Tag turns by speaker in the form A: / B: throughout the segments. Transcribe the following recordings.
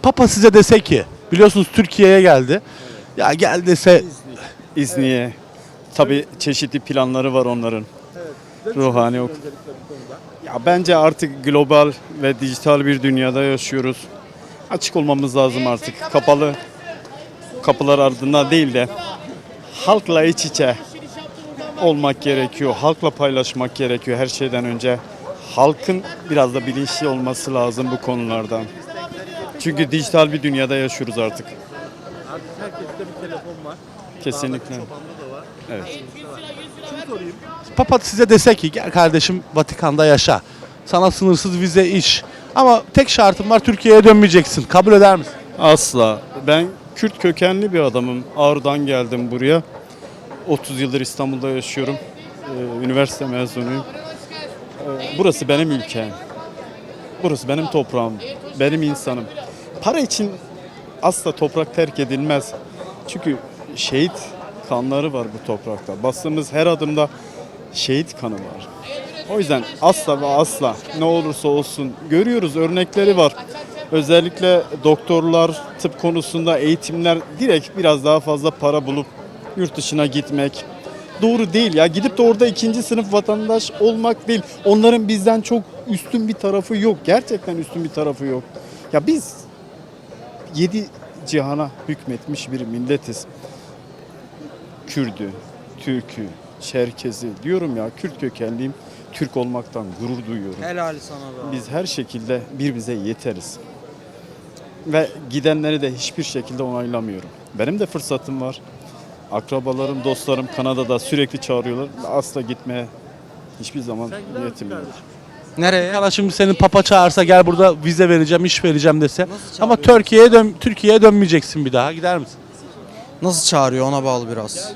A: Papa size dese ki, biliyorsunuz Türkiye'ye geldi. Ya gel dese
B: İzniye. Tabii çeşitli planları var onların. Ruhani ok. Ya bence artık global ve dijital bir dünyada yaşıyoruz. Açık olmamız lazım artık. Kapalı kapılar ardında değil de halkla iç içe olmak gerekiyor. Halkla paylaşmak gerekiyor her şeyden önce. Halkın biraz da bilinçli olması lazım bu konulardan. Çünkü dijital bir dünyada yaşıyoruz artık.
A: Artık herkeste bir telefon var.
B: Kesinlikle. Evet.
A: Papa size dese ki gel kardeşim Vatikan'da yaşa. Sana sınırsız vize iş. Ama tek şartım var, Türkiye'ye dönmeyeceksin. Kabul eder misin?
B: Asla. Ben Kürt kökenli bir adamım. Ağrı'dan geldim buraya. 30 yıldır İstanbul'da yaşıyorum. Üniversite mezunuyum. Burası benim ülkem. Burası benim toprağım. Benim insanım. Para için asla toprak terk edilmez. Çünkü şehit kanları var bu toprakta. Bastığımız her adımda şehit kanı var. O yüzden asla ve asla ne olursa olsun görüyoruz, örnekleri var. Özellikle doktorlar, tıp konusunda eğitimler direkt biraz daha fazla para bulup yurt dışına gitmek doğru değil ya. Gidip de orada ikinci sınıf vatandaş olmak değil. Onların bizden çok üstün bir tarafı yok. Gerçekten üstün bir tarafı yok. Ya biz 7 cihana hükmetmiş bir milletiz. Kürdü, Türk'ü, Çerkezi diyorum ya, Kürt kökenliyim. Türk olmaktan gurur duyuyorum.
C: Helal sana be.
B: Biz her şekilde birbirimize yeteriz. Ve gidenleri de hiçbir şekilde onaylamıyorum. Benim de fırsatım var. Akrabalarım, dostlarım Kanada'da sürekli çağırıyorlar. Asla gitmeye hiçbir zaman niyetim yok.
C: Nereye?
A: Arkadaşım senin Papa çağırsa gel burada vize vereceğim, iş vereceğim dese.
C: Nasıl
A: Ama
C: çağırıyor?
A: Türkiye'ye dönmeyeceksin bir daha. Gider misin?
C: Nasıl çağırıyor ona bağlı biraz.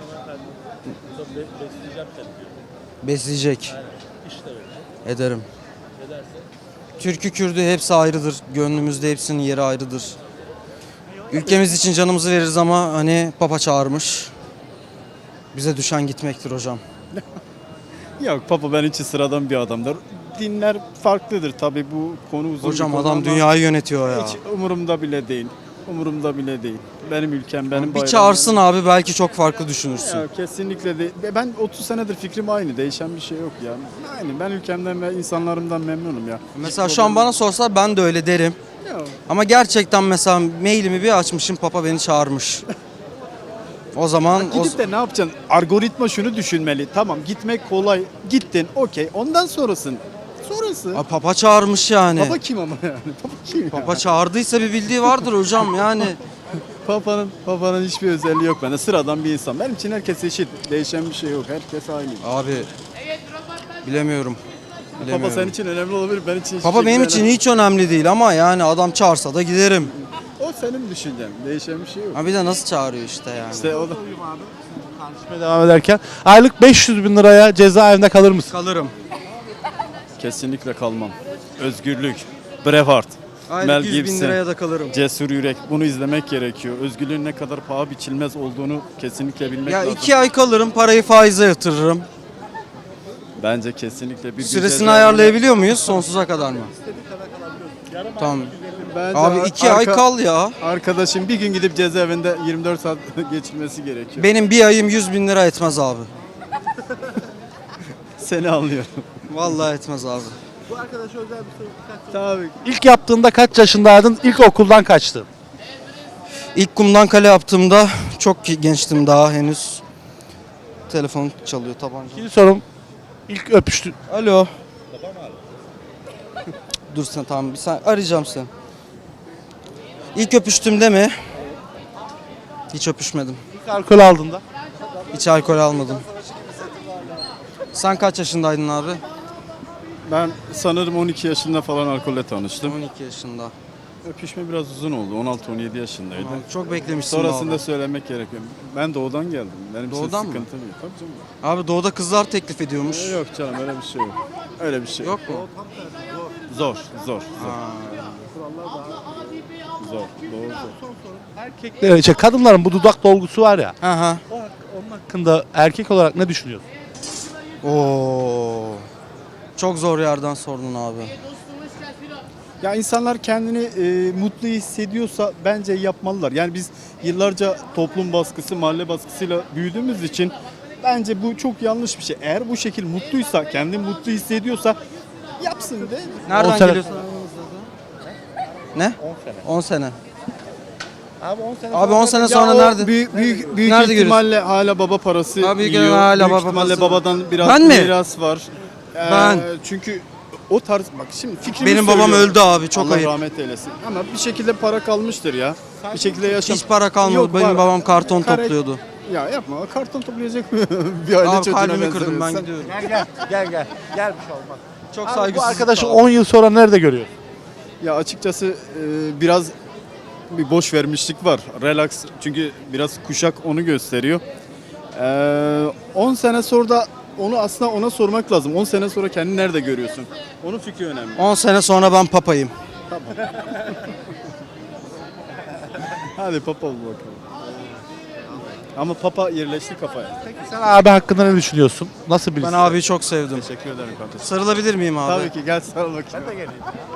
C: Besleyecek. Ederim. Türk'ü Kürd'ü hepsi ayrıdır. Gönlümüzde hepsinin yeri ayrıdır. Ülkemiz için canımızı veririz ama hani Papa çağırmış. Bize düşen gitmektir hocam.
B: Yok, Papa benim için sıradan bir adamdır. Dinler farklıdır tabii, bu konu uzun
C: Hocam
B: bir konu
C: adam
B: ama
C: dünyayı yönetiyor ya.
B: hiç umurumda bile değil. Umurumda bile değil. Benim ülkem, benim
C: Bir
B: bayrağım.
C: çağırsın abi belki çok farklı düşünürsün.
B: Ya, kesinlikle değil. Ben 30 senedir fikrim aynı. Değişen bir şey yok ya. Aynı. Ben ülkemden ve insanlarımdan memnunum ya.
C: Mesela şu an bana sorsa ben de öyle derim.
B: Ya,
C: Ama gerçekten mesela mailimi bir açmışım, Papa beni çağırmış. O zaman
B: gidip de ne yapacaksın? Algoritma şunu düşünmeli. Tamam, gitmek kolay. Gittin, okey. Ondan sonrası.
C: Papa çağırmış yani.
B: Papa kim ama yani? Papa kim ya?
C: Papa çağırdıysa bir bildiği vardır hocam yani.
B: Papa'nın hiçbir özelliği yok bende. Sıradan bir insan. Benim için herkes eşit. Değişen bir şey yok. Herkes aynı.
C: Abi bilemiyorum.
B: Papa senin için önemli olabilir. Benim için hiçbir
C: Papa
B: şey
C: benim
B: önemli.
C: için hiç önemli değil ama yani adam çağırsa da giderim.
B: O senin düşüncen. Değişen bir şey yok.
C: Ha bir de nasıl çağırıyor işte yani.
B: İşte o da.
A: Tartışmaya devam ederken aylık 500 bin liraya cezaevinde kalır mısın?
C: Kalırım.
B: Kesinlikle kalmam. Özgürlük. Braveheart. Mel
C: Aylık 100 bin
B: Gibson.
C: liraya da kalırım.
B: Cesur yürek. Bunu izlemek gerekiyor. Özgürlüğün ne kadar paha biçilmez olduğunu kesinlikle bilmek
C: Ya
B: lazım.
C: 2 ay kalırım, parayı faize yatırırım.
B: Bence kesinlikle bir
C: Süresini ayarlayabiliyor muyuz? Sonsuza kadar mı? Tamam.
B: Bence
C: Abi 2 ay kal ya.
B: Arkadaşım bir gün gidip cezaevinde 24 saat geçirmesi gerekiyor.
C: Benim bir ayım 100 bin lira etmez abi.
B: Seni anlıyorum.
C: Vallahi etmez abi.
B: Tabii.
A: İlk yaptığında kaç yaşındaydın? İlk okuldan kaçtın?
C: İlk kumdan kale yaptığımda çok gençtim daha henüz. Telefon çalıyor tabanca.
A: İkinci sorum. İlk öpüştün.
C: Alo. Dur sen tamam bir sen arayacağım seni. İlk öpüştüğümde mi? Hiç öpüşmedim.
A: İlk alkol aldığında.
C: Hiç alkol almadım. Sen kaç yaşındaydın abi?
B: Ben sanırım 12 yaşında falan alkolle tanıştım.
C: 12 yaşında.
B: Öpüşme biraz uzun oldu. 16-17 yaşındaydı.
C: Çok beklemişsin
B: Sonrasında
C: abi.
B: söylemek gerekiyor. Ben doğudan geldim. Benim için
C: Doğudan mı?
B: sıkıntı değil. Tabii canım.
C: Abi doğuda kızlar teklif ediyormuş.
B: Yok canım, öyle bir şey yok. Öyle bir şey yok.
C: Yok mu?
B: Zor. Zor. Doğru.
A: Erkekler, kadınların bu dudak dolgusu var ya.
C: Hı hı.
A: Onun hakkında erkek olarak ne düşünüyorsun?
C: Oo. Çok zor yerden sordun abi.
B: Ya insanlar kendini mutlu hissediyorsa bence yapmalılar. Yani biz yıllarca toplum baskısı, mahalle baskısıyla büyüdüğümüz için bence bu çok yanlış bir şey. Eğer bu şekil mutluysa, kendini mutlu hissediyorsa yapsın de.
C: Nereden
A: 10 sene-
C: geliyorsun? Ne? 10 sene. Abi 10 sene sonra
B: Ya o
C: nerede?
B: Büyük
C: Nerede
B: ihtimalle hala baba parası
C: Abi büyük
B: yiyor.
C: ihtimalle hala
B: Büyük
C: baba
B: ihtimalle
C: parası.
B: babadan biraz
C: Ben mi?
B: miras var.
C: Ben.
B: Çünkü o tarz bak şimdi fikrimi
C: Benim babam
B: söylüyorum.
C: öldü abi, çok
B: Allah
C: ayıp.
B: rahmet eylesin. Ama bir şekilde para kalmıştır ya. Bir şekilde yaşam.
C: Hiç para kalmadı.
B: Yok,
C: Benim
B: var.
C: babam karton
B: Kare-
C: topluyordu.
B: Ya yapma, karton toplayacak mı? Bir aile
C: Abi
B: çocuğuna
C: kalbimi kırdım, ben
B: benzemiyorsan.
C: gidiyorum.
A: Gel. Gel bir şey olmaz.
C: Çok
A: Abi bu
C: saygısızlık.
A: arkadaşı 10 yıl sonra nerede görüyorsun?
B: Ya açıkçası biraz bir boş vermişlik var. Relax, çünkü biraz kuşak onu gösteriyor. 10 sene sonra da onu aslında ona sormak lazım. 10 sene sonra kendini nerede görüyorsun? Onun fikri önemli.
C: 10 sene sonra ben papayım.
B: Hadi papa ol bakalım. Ama papa yerleşti kafaya.
A: Sen abi hakkında ne düşünüyorsun? Nasıl birisi?
C: Ben abiyi çok sevdim.
B: Teşekkür ederim kardeşim.
C: Sarılabilir miyim abi?
B: Tabii ki, gel sarıl bakayım.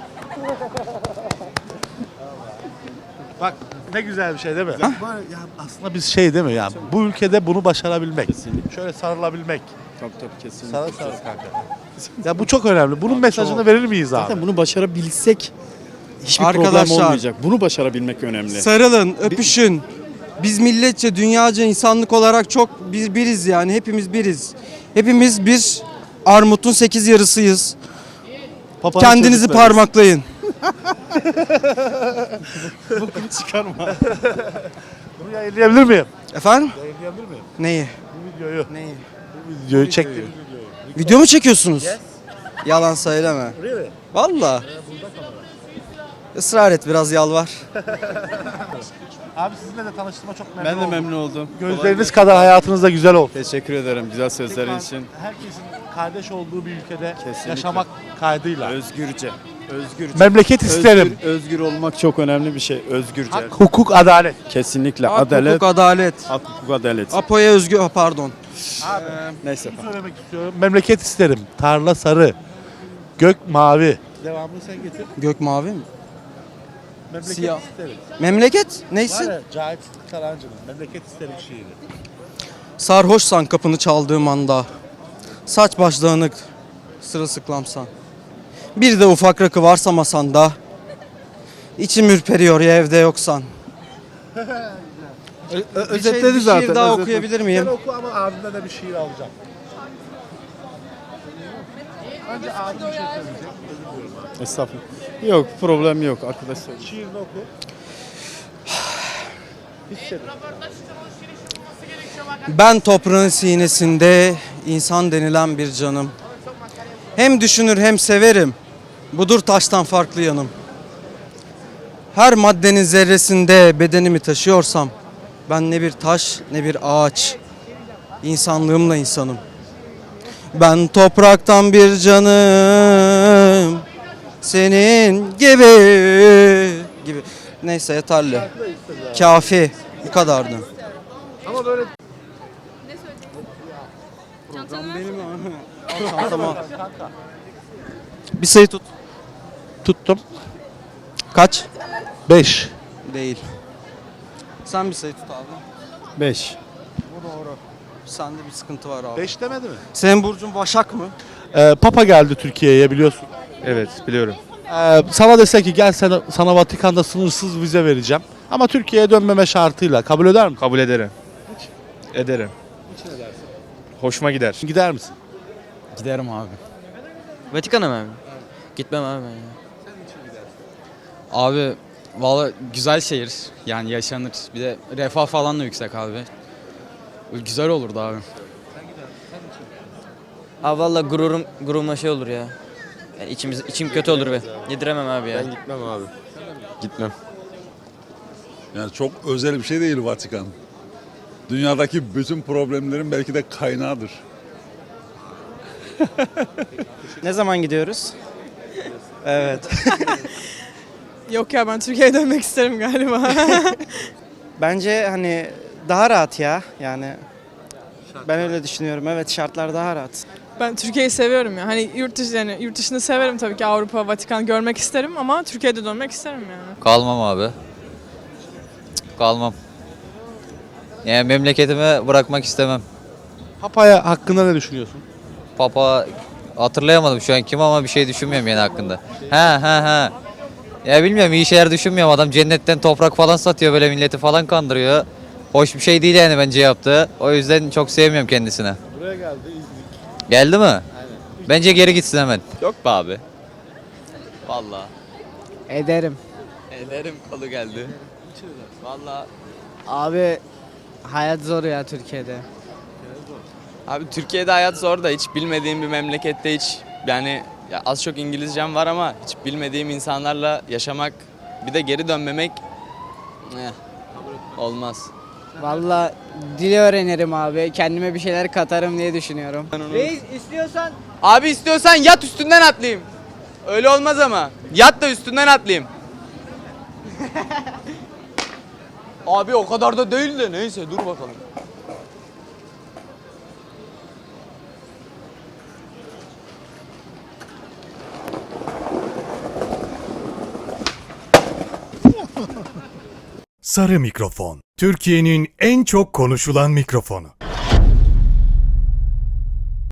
A: Bak ne güzel bir şey değil mi? Ya aslında biz şey değil mi ya? Bu ülkede bunu başarabilmek. Şöyle sarılabilmek.
B: Tabii kesinlikle.
A: Sarıl kanka. Ya bu çok önemli. Bunun mesajını verir miyiz abi?
B: Zaten bunu başarabilsek hiçbir problem
C: Arkadaşlar,
B: olmayacak. Bunu başarabilmek önemli.
C: sarılın, öpüşün. Biz milletçe, dünyaca, insanlık olarak çok biriz yani. Hepimiz biriz. Hepimiz bir armutun 8 yarısıyız.
B: Papanın
C: Kendinizi
B: çocukları.
C: parmaklayın.
B: Bokunu çıkarma.
A: Bunu yayınlayabilir miyim?
C: Efendim?
A: Yayınlayabilir miyim?
C: Neyi?
A: Bu videoyu.
C: Neyi?
A: Bu videoyu çektim.
C: Video mu çekiyorsunuz? Yalan söyleme.
A: Really?
C: Valla. Israr et, biraz yalvar.
A: Abi sizinle de tanıştığıma çok memnun
B: Ben de
A: oldum.
B: memnun oldum.
A: Gözleriniz kadar hayatınız da güzel olsun.
B: Teşekkür ederim güzel sözlerin
A: Tekrar
B: için.
A: Herkesin kardeş olduğu bir ülkede
B: Kesinlikle.
A: yaşamak kaydıyla.
B: Özgürce.
A: Memleket isterim.
B: Özgür olmak çok önemli bir şey. Özgürce.
A: Hak, hukuk, adalet.
B: Kesinlikle.
C: Hak,
B: Adalet.
C: hukuk, adalet.
B: Hak, hukuk, adalet.
C: Apo'ya özgü, pardon.
B: Neyse.
A: Şunu söylemek istiyorum. Memleket isterim. Tarla sarı. Gök mavi. Devamını sen getir.
C: Gök mavi mi?
A: Memleket
C: Siyah.
A: isterim.
C: Memleket?
A: Var
C: Neysin?
A: ya Cahit Karancı'nın Memleket isterim şiiri.
C: Sarhoşsan kapını çaldığım anda, saç baş dağınık, sırılsıklamsan. Bir de ufak rakı varsa masanda, içim ürperiyor ya evde yoksan. bir şiir daha okuyabilir miyim?
A: Sen oku ama abimden de bir şiir alacağım. Önce abim bir şey söyleyecek. Özür diliyorum abi.
B: Estağfurullah. Yok, problem yok arkadaşlar.
A: Şiirini oku. Hissedin.
C: Ben toprağın sinesinde insan denilen bir canım. Hem düşünür hem severim. Budur taştan farklı yanım. Her maddenin zerresinde bedenimi taşıyorsam ben ne bir taş ne bir ağaç. İnsanlığımla insanım. Ben topraktan bir canım. Senin gibi. Neyse yeterli. Kafi. Bu kadardı.
A: Ama böyle
C: Tamam. Bir sayı tut.
A: tuttum.
C: Kaç?
A: 5.
C: Değil. Sen bir sayı tut abi.
B: 5.
C: Sende bir sıkıntı var abi.
A: 5 demedi mi?
C: Senin burcun Başak mı?
A: Papa geldi Türkiye'ye biliyorsun.
D: Evet biliyorum.
A: Sana dese ki gel sana Vatikan'da sınırsız vize vereceğim. Ama Türkiye'ye dönmeme şartıyla kabul eder misin?
D: Kabul ederim. Ederim. Hoşuma gider.
A: Gider misin?
E: Giderim abi. Vatikan'a mı abi? Gitmem abi ben ya. Abi valla güzel şehir. Yani yaşanır. Bir de refah falan da yüksek abi. Güzel olurdu abi.
F: Abi valla gururuma şey olur ya. Yani içim kötü olur be. Yediremem abi ya.
D: Gitmem abi. Gitmem.
G: Yani çok özel bir şey değil Vatikan. Dünyadaki bütün problemlerin belki de kaynağıdır.
H: Ne zaman gidiyoruz? Evet.
I: Yok ya ben Türkiye'ye dönmek isterim galiba.
H: Bence hani daha rahat ya yani. Ben öyle düşünüyorum. Evet şartlar daha rahat.
I: Ben Türkiye'yi seviyorum ya. Hani yurt dışını severim tabii ki, Avrupa, Vatikan görmek isterim ama Türkiye'de dönmek isterim yani.
J: Kalmam abi. Kalmam. Yani memleketimi bırakmak istemem.
A: Papa'ya hakkında ne düşünüyorsun?
J: Papa hatırlayamadım şu an kim ama bir şey düşünmüyorum yani hakkında. He. Ya bilmiyorum, iyi şeyler düşünmüyorum. Adam cennetten toprak falan satıyor, böyle milleti falan kandırıyor. Hoş bir şey değil yani bence yaptığı. O yüzden çok sevmiyorum kendisini.
A: Buraya geldi, izledik.
J: Geldi mi? Aynen. Bence geri gitsin hemen.
E: Yok be abi. Vallahi.
H: Ederim.
E: Ederim, kolu geldi. Vallahi.
H: Abi hayat zor ya Türkiye'de.
E: Abi Türkiye'de hayat zor da hiç bilmediğim bir memlekette hiç yani ya az çok İngilizcem var ama hiç bilmediğim insanlarla yaşamak bir de geri dönmemek olmaz.
H: Valla dil öğrenirim abi. Kendime bir şeyler katarım diye düşünüyorum. Reis istiyorsan
E: Abi istiyorsan yat üstünden atlayayım. Öyle olmaz ama. Yat da üstünden atlayayım. Abi o kadar da değil de neyse dur bakalım.
K: Sarı mikrofon. Türkiye'nin en çok konuşulan mikrofonu.